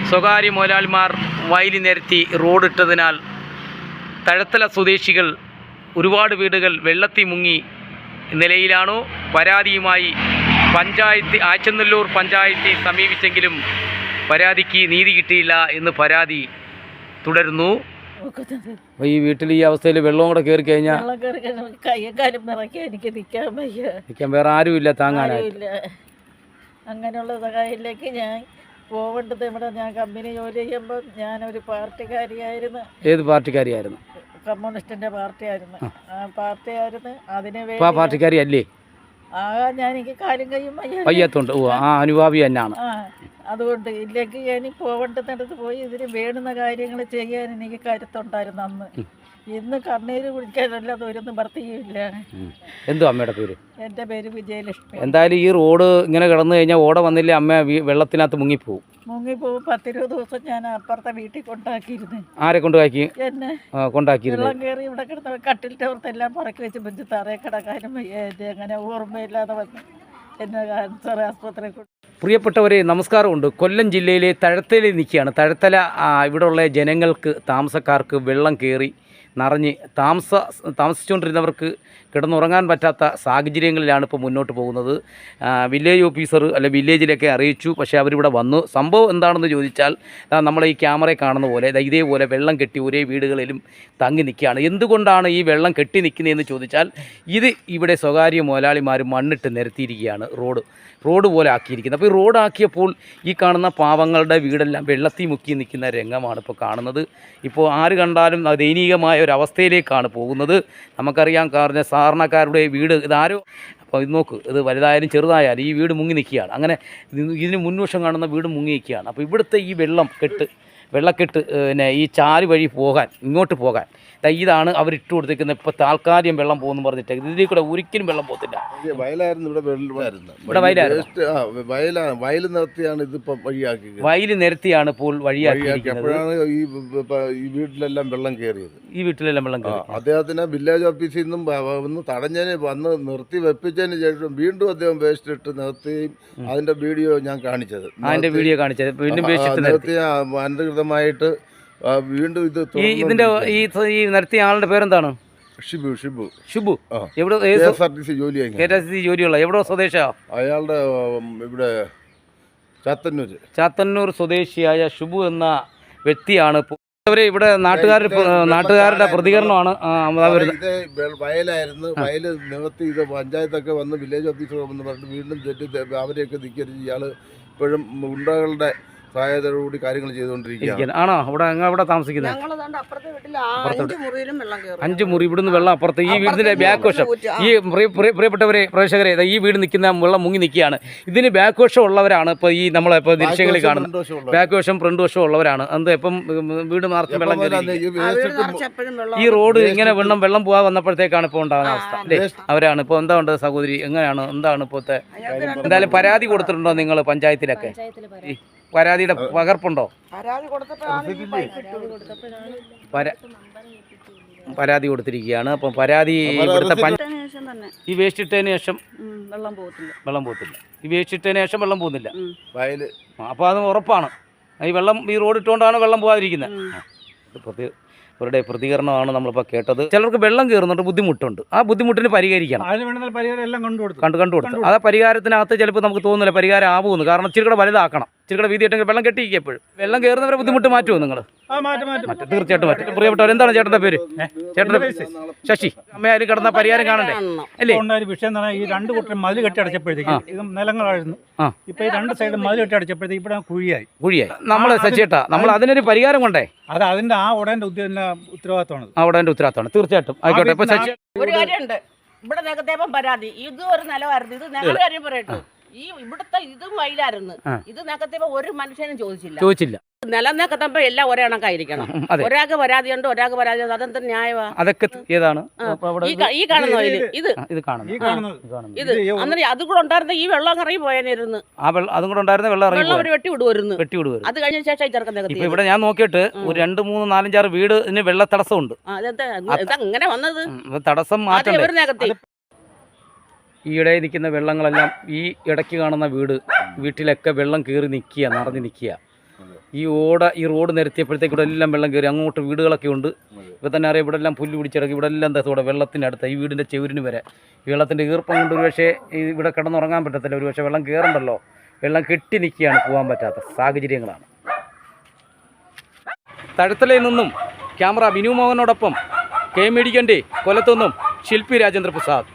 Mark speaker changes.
Speaker 1: സ്വകാര്യ മുതലാളിമാർ വയലി നിരത്തി റോഡിട്ടതിനാൽ തഴത്തല സ്വദേശികൾ ഒരുപാട് വീടുകൾ വെള്ളത്തിൽ മുങ്ങി നിലയിലാണോ? പരാതിയുമായി ആച്ചനല്ലൂർ പഞ്ചായത്തെ സമീപിച്ചെങ്കിലും പരാതിക്ക് നീതി കിട്ടിയില്ല എന്ന് പരാതി തുടരുന്നു. ഈ വീട്ടിൽ ഈ അവസ്ഥയിൽ വെള്ളം കൂടെ കയറി കഴിഞ്ഞാൽ നിൽക്കാൻ വേറെ ആരുമില്ല, താങ്ങാനായില്ല.
Speaker 2: അങ്ങനെയുള്ള സഹായത്തിലേക്ക് ഞാൻ പോവേണ്ടത്. ഇവിടെ ഞാൻ കമ്പനി ജോലി ചെയ്യുമ്പോൾ ഞാനൊരു പാർട്ടിക്കാരിയായിരുന്നു.
Speaker 1: ഏത് പാർട്ടിക്കാരിയായിരുന്നു?
Speaker 2: കമ്മ്യൂണിസ്റ്റിന്റെ പാർട്ടിയായിരുന്നു. ആ പാർട്ടിയായിരുന്നു. അതിന്
Speaker 1: ആ പാർട്ടിക്കാരി അല്ലേ?
Speaker 2: ഞാൻ എനിക്ക് കാലും കയ്യും
Speaker 1: വയ്യാത്തോണ്ട് അനുഭാവി തന്നെയാണ്.
Speaker 2: അതുകൊണ്ട് ഇതിലേക്ക് ഞാൻ പോവേണ്ടടുത്ത് പോയി ഇതിന് വേണ്ടുന്ന കാര്യങ്ങൾ ചെയ്യാൻ എനിക്ക് കരുത്തുണ്ടായിരുന്നു അന്ന്. ഇന്ന് കണ്ണീര് കുടിക്കാനല്ലാതെ ഒരു നിവർത്തിയില്ല.
Speaker 1: എന്തോ അമ്മയുടെ പേര്?
Speaker 2: എൻ്റെ പേര് വിജയലക്ഷ്മി.
Speaker 1: എന്തായാലും ഈ റോഡ് ഇങ്ങനെ കിടന്നു കഴിഞ്ഞാൽ ഓട വന്നില്ല, അമ്മ വെള്ളത്തിനകത്ത് മുങ്ങിപ്പോവും.
Speaker 2: 10-20 ദിവസം ഞാൻ അപ്പുറത്തെ വീട്ടിൽ കൊണ്ടാക്കിയിരുന്നു.
Speaker 1: ആരെ കൊണ്ടാക്കി?
Speaker 2: എന്നെ
Speaker 1: കൊണ്ടാക്കിയിരുന്നു.
Speaker 2: വെള്ളം കയറി ഇവിടെ കിടന്ന കട്ടിലിൻ്റെ പുറത്തെല്ലാം പറക്കി വെച്ച് ബെഞ്ച് തറയെ കിടക്കാനും അങ്ങനെ ഓർമ്മയില്ലാതെ വന്ന് എന്നെ ക്യാൻസർ ആസ്പത്രി.
Speaker 1: പ്രിയപ്പെട്ടവരെ, നമസ്കാരമുണ്ട്. കൊല്ലം ജില്ലയിലെ തഴത്തലയിൽ നിൽക്കുകയാണ്. തഴത്തല ഇവിടെയുള്ള ജനങ്ങൾക്ക്, താമസക്കാർക്ക് വെള്ളം കയറി നിറഞ്ഞ് താമസിച്ചുകൊണ്ടിരുന്നവർക്ക് കിടന്നുറങ്ങാൻ പറ്റാത്ത സാഹചര്യങ്ങളിലാണ് ഇപ്പോൾ മുന്നോട്ട് പോകുന്നത്. വില്ലേജ് ഓഫീസർ വില്ലേജിലൊക്കെ അറിയിച്ചു. പക്ഷേ അവരിവിടെ വന്നു. സംഭവം എന്താണെന്ന് ചോദിച്ചാൽ നമ്മളെ ഈ ക്യാമറയിൽ കാണുന്ന പോലെ ഇതേപോലെ വെള്ളം കെട്ടി ഒരേ വീടുകളിലും തങ്ങി നിൽക്കുകയാണ്. എന്തുകൊണ്ടാണ് ഈ വെള്ളം കെട്ടി നിൽക്കുന്നതെന്ന് ചോദിച്ചാൽ ഇവിടെ സ്വകാര്യ മുതലാളിമാർ മണ്ണിട്ട് നിരത്തിയിരിക്കുകയാണ്. റോഡ് പോലെ ആക്കിയിരിക്കുന്നത്. അപ്പോൾ ഈ റോഡാക്കിയപ്പോൾ ഈ കാണുന്ന പാവങ്ങളുടെ വീടെല്ലാം വെള്ളത്തിൽ മുക്കി നിൽക്കുന്ന രംഗമാണ് ഇപ്പോൾ കാണുന്നത്. ഇപ്പോൾ ആര് കണ്ടാലും ദയനീയമായ ഒരവസ്ഥയിലേക്കാണ് പോകുന്നത്. നമുക്കറിയാം, കാരണം സാധാരണക്കാരുടെ വീട് ഇതാരോ. അപ്പോൾ ഇത് നോക്ക്, ഇത് വലുതായാലും ചെറുതായാലും ഈ വീട് മുങ്ങി നിൽക്കുകയാണ്. അങ്ങനെ ഇതിന് മുൻവശം കാണുന്ന വീട് മുങ്ങി നിൽക്കുകയാണ്. അപ്പോൾ ഇവിടുത്തെ ഈ വെള്ളക്കെട്ട് ഈ ചാല് വഴി ഇങ്ങോട്ട് പോകാൻ ഇതാണ് അവരിട്ട് കൊടുത്തിരിക്കുന്നത്. ഇപ്പോൾ താൽക്കാലികം വെള്ളം പോകുന്നു പറഞ്ഞിട്ട് ഇതിൽ കൂടെ ഒരിക്കലും വെള്ളം പോകത്തില്ല. വയൽ നിരത്തിയാണ് ഇപ്പോൾ വഴിയാക്കിയിരിക്കുന്നത്.
Speaker 3: ഈ വീട്ടിലെല്ലാം വെള്ളം കയറിയത്.
Speaker 1: അദ്ദേഹത്തിന്
Speaker 3: വില്ലേജ് ഓഫീസിൽ നിന്നും ഒന്ന് തടഞ്ഞതിന് വന്ന് നിർത്തി വെപ്പിച്ചതിന് ശേഷം വീണ്ടും അദ്ദേഹം വേസ്റ്റ് ഇട്ട് നിർത്തുകയും അതിന്റെ വീഡിയോ ഞാൻ കാണിച്ചത്.
Speaker 1: വീണ്ടും
Speaker 3: നിർത്തിയ അനധികൃതമായിട്ട് വീണ്ടും
Speaker 1: ഇതിന്റെ ഈ നടത്തിയ ആളുടെ പേരെന്താണ്? ഷിബു. എവിടെ ജോലിയുള്ള എവിടെ സ്വദേശാ?
Speaker 3: അയാളുടെ ഇവിടെ
Speaker 1: ചാത്തന്നൂർ സ്വദേശിയായ ഷിബു എന്ന വ്യക്തിയാണ്. ഇവിടെ നാട്ടുകാരുടെ പ്രതികരണമാണ്.
Speaker 3: വയലായിരുന്നു. വയല് നിവർത്തി ഇത് പഞ്ചായത്തൊക്കെ വന്ന് വില്ലേജ് ഓഫീസർ വന്ന് പറഞ്ഞിട്ട് വീണ്ടും അവരെയൊക്കെ നിൽക്കരുത്. ഇയാള് ഇപ്പോഴും ഗുണ്ടകളുടെ സഹായത്തോടുകൂടി കാര്യങ്ങൾ ചെയ്തുകൊണ്ടിരിക്കുകയാണ്.
Speaker 1: ആണോ? അവിടെ താമസിക്കുന്നത് 5 മുറി. ഇവിടുന്ന് വെള്ളം അപ്പുറത്ത് ഈ വീടിന്റെ ബാക്ക് വശം. ഈ പ്രിയപ്പെട്ടവരെ, പ്രേക്ഷകരെ, ഈ വീട് നിൽക്കുന്ന വെള്ളം മുങ്ങി നിൽക്കുകയാണ്. ഇതിന് ബാക്ക് വശം ഉള്ളവരാണ് ഇപ്പോൾ ഈ നമ്മളിപ്പോൾ ദൃശ്യങ്ങളിൽ കാണുന്നത്. ബാക്ക് വശം ഫ്രണ്ട് വശം ഉള്ളവരാണ്. ഇപ്പം വീട് നിറച്ച് വെള്ളം കയറി ഈ റോഡ് ഇങ്ങനെ വെള്ളം പോകാൻ വന്നപ്പോഴത്തേക്കാണ് ഇപ്പോൾ ഉണ്ടാകുന്ന അവസ്ഥ അല്ലേ? അവരാണ് ഇപ്പോൾ. എന്താ ഉണ്ട് സഹോദരി, എന്താണ് ഇപ്പോഴത്തെ? എന്തായാലും പരാതി കൊടുത്തിട്ടുണ്ടോ നിങ്ങൾ പഞ്ചായത്തിലൊക്കെ? പരാതിയുടെ പകർപ്പുണ്ടോ? പരാതി കൊടുത്തിരിക്കുകയാണ്. അപ്പം പരാതി ഈ വേസ്റ്റ് ഇട്ടതിന് ശേഷം വെള്ളം പോകത്തില്ല. ഈ വേസ്റ്റ് ഇട്ടതിന് ശേഷം വെള്ളം പോകുന്നില്ല. അപ്പോൾ അത് ഉറപ്പാണ്. ഈ റോഡ് ഇട്ടുകൊണ്ടാണ് വെള്ളം പോകാതിരിക്കുന്നത്. അവരുടെ പ്രതികരണമാണ് നമ്മളിപ്പോൾ കേട്ടത്. ചിലർക്ക് വെള്ളം കയറുന്നുണ്ട്, ബുദ്ധിമുട്ടുണ്ട്. ആ ബുദ്ധിമുട്ടിന് പരിഹരിക്കണം. കണ്ടുകൊടുത്തു. ആ പരിഹാരത്തിനകത്ത് ചിലപ്പോൾ നമുക്ക് തോന്നുന്നില്ല പരിഹാരം ആവുമെന്ന്. കാരണം ഇച്ചിരികൂടെ വലുതാക്കണം, ഇച്ചിരികൂടെ വീതിയിട്ടെങ്കിൽ വെള്ളം കെട്ടിയിരിക്കും. എപ്പോഴും വെള്ളം കയറുന്നവരെ ബുദ്ധിമുട്ട് മാറ്റുമോ നിങ്ങൾ? തീർച്ചയായിട്ടും മാറ്റും. പ്രിയപ്പെട്ടവർ, എന്താണ് ചേട്ടൻ്റെ പേര്? ചേട്ടൻ്റെ പേര് ശശി. അമ്മയാരും കിടന്ന പരിഹാരം കാണണ്ടേ അല്ലേ?
Speaker 4: വിഷയം എന്ന് പറഞ്ഞാൽ ഈ 2 കൂട്ടരും മതിൽ കെട്ടി അടച്ചപ്പോഴത്തേക്ക് ഇത് നിലങ്ങളായിരുന്നു. ഇപ്പൊ ഈ 2 സൈഡും മതിൽ കെട്ടി അടച്ചപ്പോഴത്തേക്ക് ഇവിടെ കുഴിയായി. നമ്മൾ ശശിയേട്ടാ, നമ്മൾ അതിനൊരു പരിഹാരം കൊണ്ടേ. അത് അതിന്റെ ഉടന്റെ ഉത്തരവാദിത്തമാണ്.
Speaker 1: ഉടന്റെ ഉത്തരവാദിത്തമാണ്. തീർച്ചയായിട്ടും ആയിക്കോട്ടെ. ഇപ്പൊ ശശി,
Speaker 2: ഒരു കാര്യമുണ്ട്. ഇവിടെ നേരത്തെ പരാതി ഇത് ഒരു നിലവായിരുന്നു. ഇത് ഞങ്ങളുടെ കാര്യം പറയട്ടെ. ഇവിടുത്തെ ഇതും വയലായിരുന്നു. ഇത് നേരത്തെ ഒരു മനുഷ്യനും ചോദിച്ചില്ല. നിലം നേക്കത്തപ്പോ എല്ലാം ഒരേ കണക്കായിരിക്കണം. ഒരാൾക്ക് പരാതിയുണ്ട്, ഒരാൾക്ക് പരാതി. അതെന്താ ന്യായമാ?
Speaker 1: അതൊക്കെ ഏതാണ്
Speaker 2: ഈ കാണുന്ന ഇത് അന്നേരം അതും കൂടെ ഉണ്ടായിരുന്ന ഈ വെള്ളം ഇറങ്ങി പോയായിരുന്നു.
Speaker 1: അതും കൂടെ ഉണ്ടായിരുന്ന വെള്ളം
Speaker 2: വെട്ടി വിടുവായിരുന്നു. അത് കഴിഞ്ഞ ശേഷം ചെറുക്കം
Speaker 1: ഇവിടെ ഞാൻ നോക്കിയിട്ട് ഒരു 2, 3, 4, 5, 6 വീടിന് വെള്ള തടസ്സമുണ്ട്.
Speaker 2: അങ്ങനെ വന്നത്
Speaker 1: തടസ്സം മാറ്റം. ഈയിടെ നിൽക്കുന്ന വെള്ളങ്ങളെല്ലാം ഈ ഇടയ്ക്ക് കാണുന്ന വീട്ടിലൊക്കെ വെള്ളം കയറി നിറഞ്ഞു നിൽക്കുക. ഈ റോഡ് നിരത്തിയപ്പോഴത്തേക്ക് ഇവിടെ എല്ലാം വെള്ളം കയറി. അങ്ങോട്ട് വീടുകളൊക്കെ ഉണ്ട്. ഇപ്പോൾ തന്നെ അറിയാം, ഇവിടെ എല്ലാം പുല്ല് പിടിച്ചിടക്കി. ഇവിടെ എല്ലാം എന്താ വെള്ളത്തിനടുത്ത് ഈ വീടിൻ്റെ ചെവിരിന് വരെ ഈ വെള്ളത്തിൻ്റെ ഈർപ്പം കൊണ്ട് ഒരുപക്ഷെ ഇവിടെ കിടന്നുറങ്ങാൻ പറ്റത്തില്ല. ഒരുപക്ഷെ വെള്ളം കയറണ്ടല്ലോ, വെള്ളം കെട്ടി നിൽക്കുകയാണ്, പോകാൻ പറ്റാത്ത സാഹചര്യങ്ങളാണ്. തഴത്തലയിൽ നിന്നും ക്യാമറ ബിനു മോഹനോടൊപ്പം കെ മീഡിയൻ്റെ കൊല്ലത്തുനിന്നും ശില്പി രാജേന്ദ്ര പ്രസാദ്.